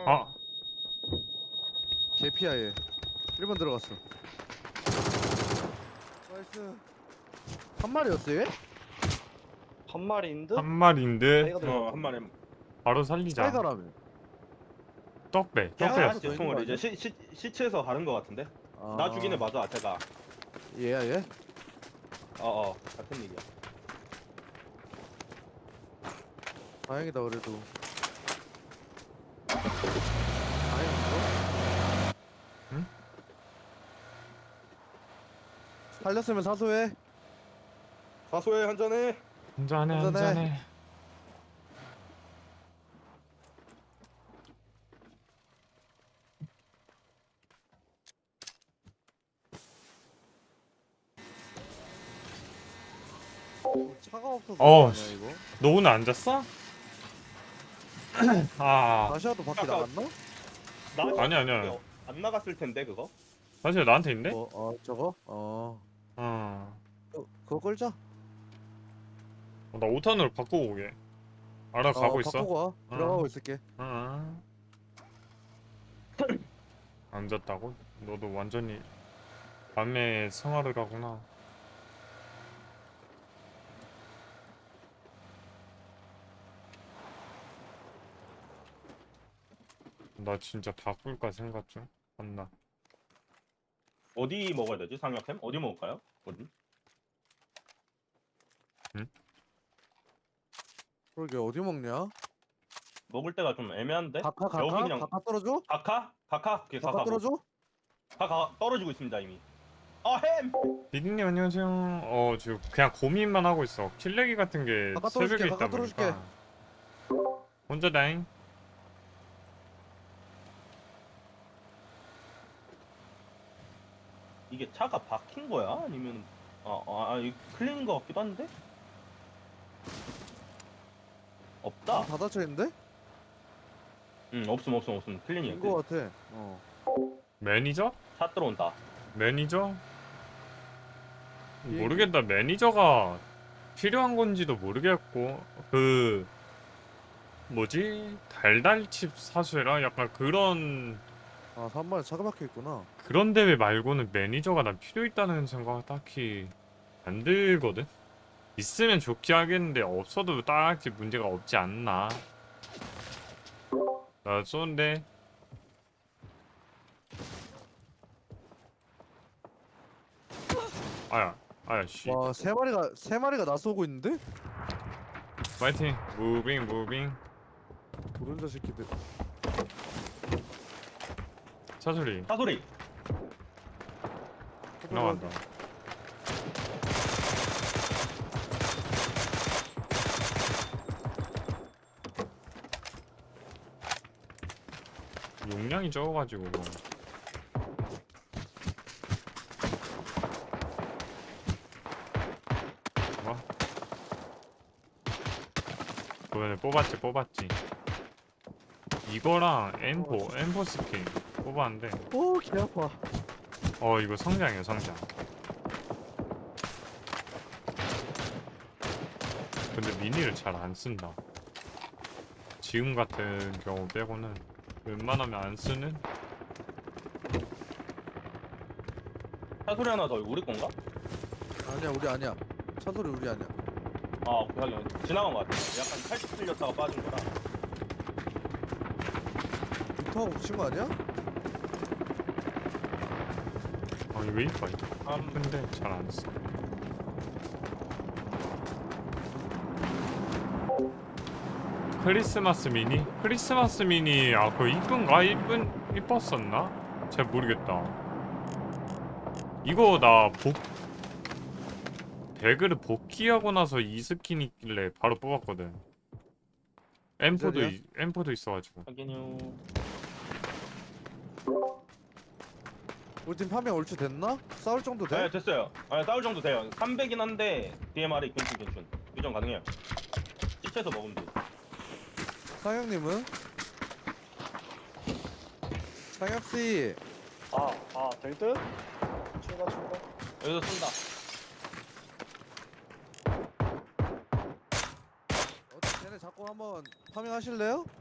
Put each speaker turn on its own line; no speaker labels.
아,
개피야 얘. 1번 들어갔어. 나이스. 한 마리였어 얘?
한 마리인 듯?
한 마리인데
사이가 들어가.
한 마리.
바로 살리자.
사이가라며.
떡배,
야,
떡배.
더 있는
총을
거
이제 시체에서 가는 거 같은데.
아...
나 죽이네 맞아 제가.
얘야 얘?
같은 얘기야.
다행이다 그래도. 다행이다.
응?
살렸으면 사소해.
사소해 한잔해.
한잔해,
한잔해.
한잔해.
차가 없어서
어,
아니야 이거?
너 오늘 안 잤어? 아,
다시아도 밖에 나갔나?
아니야.
안 나갔을 텐데 그거.
사실 나한테 있는데?
저거? 그거 끌자.
나 5탄으로 바꾸고 오게. 알아가고 있어.
바꾸고 와. 들어가고 있을게.
응. 안 잤다고? 너도 완전히 밤에 생활을 하구나. 나 진짜 바꿀까 생각 중. 맞나?
어디 먹어야 되지? 상혁햄? 어디 먹을까요? 어디?
그러게 어디 먹냐?
먹을 때가 좀 애매한데.
가카?
여기 그냥
가카 떨어져?
가카? 오케이,
가카
가카.
떨어져?
가카 떨어지고 있습니다 이미. 햄.
비디님 안녕하세요. 지금 그냥 고민만 하고 있어. 킬레기 같은 게
가까
새벽에
떨어줄게,
있다
가까 떨어줄게.
보니까. 혼자다잉.
이게 차가 박힌 거야? 아니면 이거 클린인 거 같기도 한데? 없다.
다 닫혀 있는데?
없음. 클린이야.
인거 같아.
매니저?
차 들어온다.
매니저?
얘기-
모르겠다. 매니저가 필요한 건지도 모르겠고 그 뭐지? 달달칩 사수해라? 약간 그런
3번에 차가 박혀 있구나.
그런 대회 말고는 매니저가 난 필요 있다는 생각 딱히 안 들거든? 있으면 좋게 하겠는데 없어도 딱히 문제가 없지 않나. 나 쏘는데 아야 씨.
와, 세 마리가 나 쏘고 있는데?
파이팅. 무빙.
도른자 새끼들.
차소리
사소리.
나간다. 용량이 적어가지고 뭐 그번에 뽑았지. 이거랑 M4 스킨 뽑았는데
오, 개 아파.
이거 성장이야 성장. 근데 미니를 잘 안 쓴다. 지금 같은 경우 빼고는 웬만하면 안 쓰는.
사소리 하나 더 우리 건가?
아니야, 우리 아니야. 차 소리 우리 아니야.
오케이 하긴 지나간 거 같아. 약간 살짝 틀렸다가 빠진 거라.
빅터가 붙인 거 아니야?
이거 이뻐. 근데 잘 안 써. 크리스마스 미니? 크리스마스 미니 그거 이쁜가? 이뻤었나? 잘 모르겠다. 이거 나 배그를 복귀하고 나서 이 스킨 있길래 바로 뽑았거든. M4도 있어가지고.
확인요.
우리 팀 파밍 얼추 됐나? 싸울 정도 돼?
네 됐어요. 싸울 정도 돼요. 300인 한데 DMR이 괜춘. 교정 가능해요. 시체에서 먹으면 돼.
상혁님은? 상혁씨.
될 듯? 출발.
여기서 쏜다.
쟤네 자꾸 한번 파밍 하실래요?